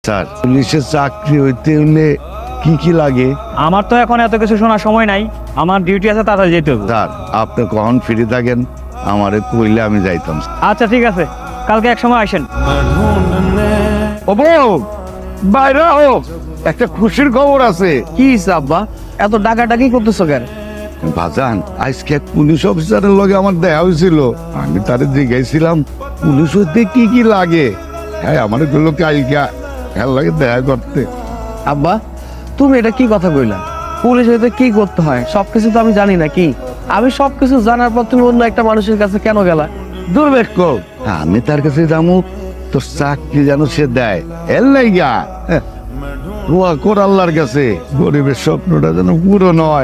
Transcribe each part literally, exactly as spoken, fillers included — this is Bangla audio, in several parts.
স্যার, পুলিশের চাকরি হইতে হলে কি কি লাগে? আমার তো এখন এত কিছু শোনার সময় নাই, আমার ডিউটি আছে, তাড়াতাড়ি যেতে হবে। স্যার, আপনি কখন ফ্রি থাকেন আমারে কইলে আমি যাইতাম। আচ্ছা ঠিক আছে, কালকে এক সময় আসেন। ও বউ, বাইরে ও, একটা খুশির খবর আছে। কি আব্বা, এত ডাকাডাকি করতেছো কেন? বাজান, আজকে এক পুলিশ অফিসারের লগে আমার দেখা হয়েছিল। আমি তারে জিজ্ঞাসিলাম পুলিশ হইতে কি কি লাগে। হ্যাঁ, আমার গুলো কালকা হ্যাঁ লাগে দেখা করতে। আব্বা, তুমি এটা কি কথা কইলা? পুলিশ হইতে কি করতে হয় সবকিছু তো আমি জানি না। কি আমি সবকিছু জানার পর তুমি অন্য একটা মানুষের কাছে কেন গেলা? দুর্বেক্ষ, আমি তার কাছে যাবো তো চাকরি যেন সে দেয়, এর লাইগা দোয়া কর আল্লাহর কাছে গরিবের স্বপ্নটা যেন পুরো নয়।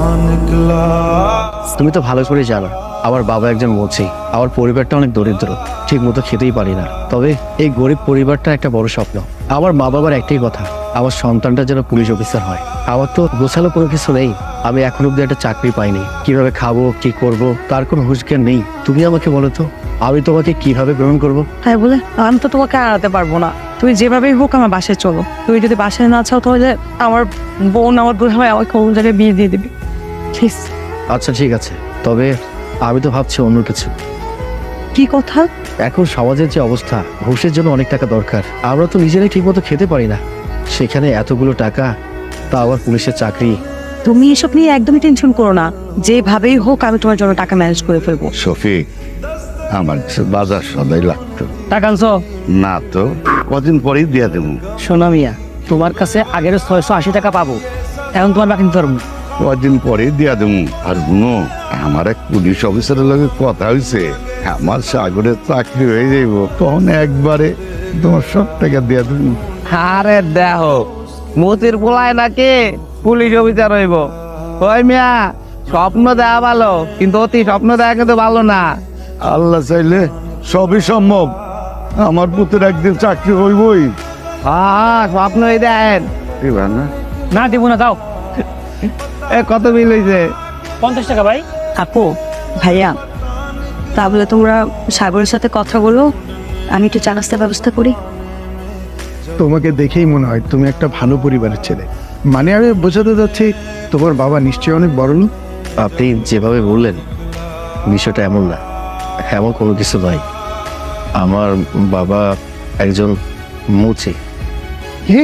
তুমি তো ভালো করে জানো আমার বাবা একজন মুচি, আমার পরিবারটা অনেক দরিদ্র, ঠিক মতো খেতেই পারি না। তবে এই গরিব পরিবারটা একটা বড় স্বপ্ন। আমার মা বাবার একটাই কথা, আমার সন্তানটা যেন পুলিশ অফিসার হয়। আমার তো গোছালো কোনো কিছু নেই, আমি এখন অব্দি একটা চাকরি পাইনি। কিভাবে খাবো, কি করব, তার কোনো হুঁশজ্ঞান নেই। তুমি আমাকে বলো তো, আমি তোমাকে কিভাবে গ্রহণ করব? তাই বলে আমি তো তোমাকে আড়াতে পারবো না। তুমি যেভাবেই হোক আমার বাসায় চলো। তুমি যদি বাসায় না চাও তাহলে আমার বোন, আমার দুই ভাই আমাকে অন্য জায়গায় বিয়ে দিয়ে দিবে, প্লিজ। আচ্ছা ঠিক আছে, তবে আমি তো ভাবছি অন্য কিছু। কি কথা? এখন সমাজের যে অবস্থা, ঘুষের জন্য অনেক টাকা দরকার। আমরা তো নিজেরাই ঠিক মতো খেতে পারি না, সেখানে এতগুলো টাকা, তা আবার পুলিশের চাকরি। তুমি এসব নিয়ে একদমই টেনশন করো না, যেভাবেই হোক আমি তোমার জন্য টাকা ম্যানেজ করে ফেলবো। শফিক, আমার কাছে বাজার সদাই লাগতো। টাকা আনছো? না তো, কদিন পরেই দিয়া দেবো। সোনা মিয়া, তোমার কাছে আগের ছয়শো আশি টাকা পাবো, এখন তোমার বাকি নিতে পারবো না। কদিন পরেই দিয়া দেবো। আর শুনো, আমার এক পুলিশ অফিসারের লগে কথা হয়েছে, আমার সাগরের চাকরি হয়ে যাইব, তখন একবারে তোমার সব টাকা দিয়া দেবো। আরে দেখো, মতির পোলায় নাকি পুলিশ অফিসার হইব। ওই মিয়া, স্বপ্ন দেওয়া ভালো, কিন্তু অতি স্বপ্ন দেওয়া কিন্তু ভালো না। আল্লাহ চাইলে সবই সম্ভব, আমার পুত্রের একদিন চাকরি হইবই। হ্যাঁ, স্বপ্নই দেন এবার না না, দিব না, দাও। এ কত বিল হয়েছে? পঞ্চাশ টাকা ভাই। আপু, ভাইয়া, তাহলে তোমরা সাগরের সাথে কথা বলো, আমি একটু চা নাস্তার ব্যবস্থা করি। তোমাকে দেখেই মনে হয় তুমি একটা ভালো পরিবারের ছেলে। মানে আমি বোঝাতে যাচ্ছি তোমার বাবা নিশ্চয়ই অনেক বড় লোক। আপনি যেভাবে বললেন, বিষয়টা এমন না, এমন কোনো কিছু নয়। আমার বাবা একজন মুচি। কি?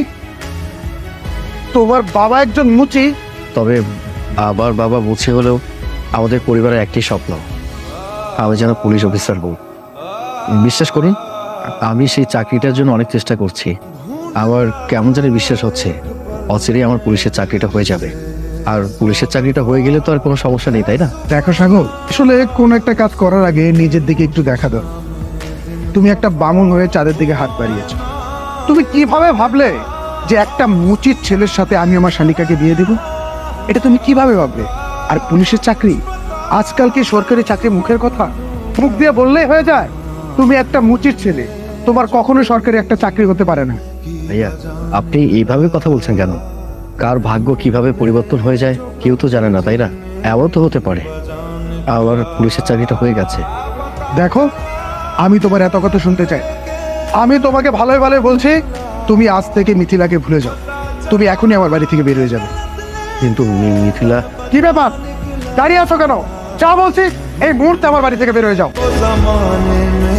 তোমার বাবা একজন মুচি? তবে আমার বাবা মুচি হলেও আমাদের পরিবারের একটি স্বপ্ন, আমি যেন পুলিশ অফিসার হব। বিশ্বাস করুন, আমি সেই চাকরিটার জন্য অনেক চেষ্টা করছি। আমার কেমন জানি বিশ্বাস হচ্ছে অচিরেই আমার পুলিশের চাকরিটা হয়ে যাবে। আর পুলিশের চাকরিটা হয়ে গেলে তো আর কোনো সমস্যা নেই, তাই না? দেখো সাগর, আসলে কোন একটা কাজ করার আগে নিজের দিকে একটু দেখা দাও। তুমি একটা বামুন হয়ে চাঁদের দিকে হাত বাড়িয়েছো। তুমি কিভাবে ভাবলে যে একটা মুচির ছেলের সাথে আমি আমার শালিকাকে বিয়ে দেব? এটা তুমি কিভাবে ভাবলে? আর পুলিশের চাকরি, আজকাল কি সরকারি চাকরি মুখের কথা? মুখ দিয়ে বললেই হয়ে যায়? তুমি একটা মুচির ছেলে, তোমার কখনো সরকারি একটা চাকরি হতে পারে না। ভাইয়া, আপনি এইভাবে কথা বলছেন কেন? কার ভাগ্য কিভাবে পরিবর্তন হয়ে যায় কেউ তো জানে না, তাই না? এমন তো হতে পারে আমার পুলিশের চাকরিটা হয়ে গেছে। দেখো, আমি তোমার এত কথা শুনতে চাই। আমি তোমাকে ভালোই ভালোই বলছি, তুমি আজ থেকে মিথিলাকে ভুলে যাও। তুমি এখনই আমার বাড়ি থেকে বের হয়ে যাবে। কিন্তু মি- মিথিলা কি ব্যাপার, দাঁড়িয়ে আছো কেন? যা বলছি এই মুহূর্তে আমার বাড়ি থেকে বের হয়ে যাও।